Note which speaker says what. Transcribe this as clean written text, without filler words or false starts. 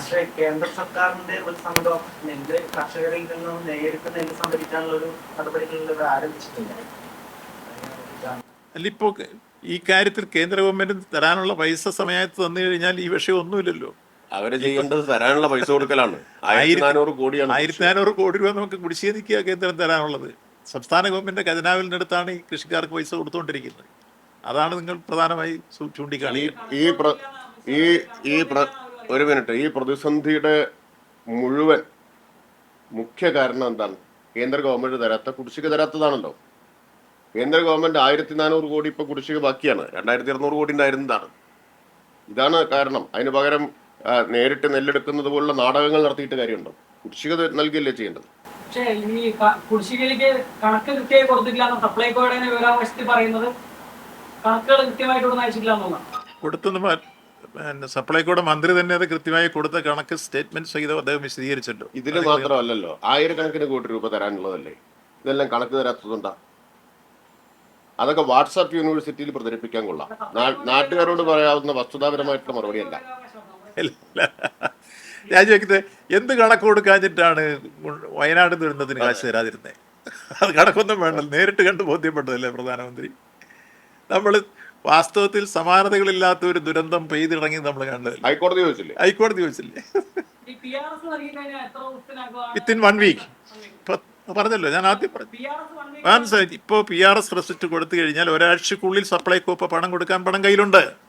Speaker 1: പക്ഷേ കേന്ദ്ര സർക്കാരിന്റെ ഒരു സംഘം നെല്ല് കർഷകരിൽ നിന്നും നേരിട്ട് നെല്ല് സംഭരിക്കാനുള്ള ഒരു നടപടികളിൽ ആരംഭിച്ചിട്ടില്ല.
Speaker 2: അല്ല, ഇപ്പോൾ ഈ കാര്യത്തിൽ കേന്ദ്ര ഗവൺമെന്റ് തരാനുള്ള പൈസ സമയത്ത് തന്നു കഴിഞ്ഞാൽ ഈ വിഷയം ഒന്നുമില്ലല്ലോ.
Speaker 3: അവര് ചെയ്യേണ്ടത് തരാനുള്ള പൈസ കൊടുക്കലാണ്. 1400 കോടിയാണ്.
Speaker 2: 1400 കോടി രൂപ നമുക്ക് കുടിശ്ശിക നിൽക്കുക കേന്ദ്രം തരാനുള്ളത്. സംസ്ഥാന ഗവൺമെന്റ് ഖജനാവിൽ നിന്നെടുത്താണ് ഈ കൃഷിക്കാർക്ക് പൈസ കൊടുത്തുകൊണ്ടിരിക്കുന്നത്. അതാണ് നിങ്ങൾ പ്രധാനമായി ചൂണ്ടിക്കാണിക്കുന്നത്.
Speaker 3: ഒരു മിനിറ്റ്, ഈ പ്രതിസന്ധിയുടെ മുഴുവൻ മുഖ്യ കാരണം എന്താണ്? കേന്ദ്ര ഗവൺമെന്റ് തരാത്ത കുടിശ്ശിക തരാത്തതാണല്ലോ. കേന്ദ്ര ഗവൺമെന്റ് 1400 കോടി ഇപ്പൊ കുടിശ്ശിക ബാക്കിയാണ്. 2200 കോടി ഉണ്ടായിരുന്നതാണ്. ഇതാണ് കാരണം. അതിന് പകരം നേരിട്ട് നെല്ലെടുക്കുന്നത് പോലുള്ള നാടകങ്ങൾ നടത്തിയിട്ട് കാര്യമുണ്ടോ? കുടിശ്ശിക നൽകിയല്ലേ ചെയ്യേണ്ടത്.
Speaker 4: പക്ഷേ ഈ കുടിശ്ശികയിലേക്ക് കണക്ക് കൃത്യമായി കൊടുത്തിട്ടില്ല സപ്ലൈകോയുടെ വിവരാവകാശത്തിൽ പറയുന്നത്. കണക്കുകൾ കൃത്യമായിട്ട് അയച്ചിട്ടില്ല എന്നുള്ളതാണ്.
Speaker 2: കൊടുത്തെന്ന് സപ്ലൈകോയുടെ മന്ത്രി തന്നെ അത് കൃത്യമായി കൊടുത്ത കണക്ക് സ്റ്റേറ്റ്മെന്റ് സഹിതം അദ്ദേഹം വിശദീകരിച്ചല്ലോ.
Speaker 3: ഇതിന് മാത്രമല്ലല്ലോ, ആയിരക്കണക്കിന് കോടി രൂപ തരാനുള്ളതല്ലേ. ഇതെല്ലാം കണക്ക് തരാത്തതുകൊണ്ടാ. അതൊക്കെ വാട്സാപ്പ് യൂണിവേഴ്സിറ്റിയിൽ പ്രചരിപ്പിക്കാൻ കൊള്ളാം. നാട്ടുകാരോട് പറയാവുന്ന വസ്തുതാപരമായിട്ടുള്ള മറുപടിയല്ല.
Speaker 2: ഞാൻ ചോദിക്കുന്നത്, എന്ത് കണക്ക് കൊടുക്കാഞ്ഞിട്ടാണ് വയനാട് ദുരന്തത്തിന് കാശ് തരാതിരുന്നത്? അത് കണക്കൊന്നും വേണ്ട, നേരിട്ട് കണ്ട് ബോധ്യപ്പെട്ടതല്ലേ പ്രധാനമന്ത്രി. നമ്മൾ വാസ്തവത്തിൽ സമാനതകളില്ലാത്ത ഒരു ദുരന്തം പെയ്തിറങ്ങി നമ്മൾ കണ്ടത്
Speaker 3: ഹൈക്കോടതി ചോദിച്ചില്ലേ?
Speaker 2: Within 1 week. പറഞ്ഞല്ലോ, ഞാൻ ആദ്യം പറഞ്ഞു. ഇപ്പോൾ PRS റെസിപ്റ്റ് കൊടുത്തു കഴിഞ്ഞാൽ ഒരാഴ്ചക്കുള്ളിൽ സപ്ലൈകോ പണം കൊടുക്കാൻ പണം കയ്യിലുണ്ട്.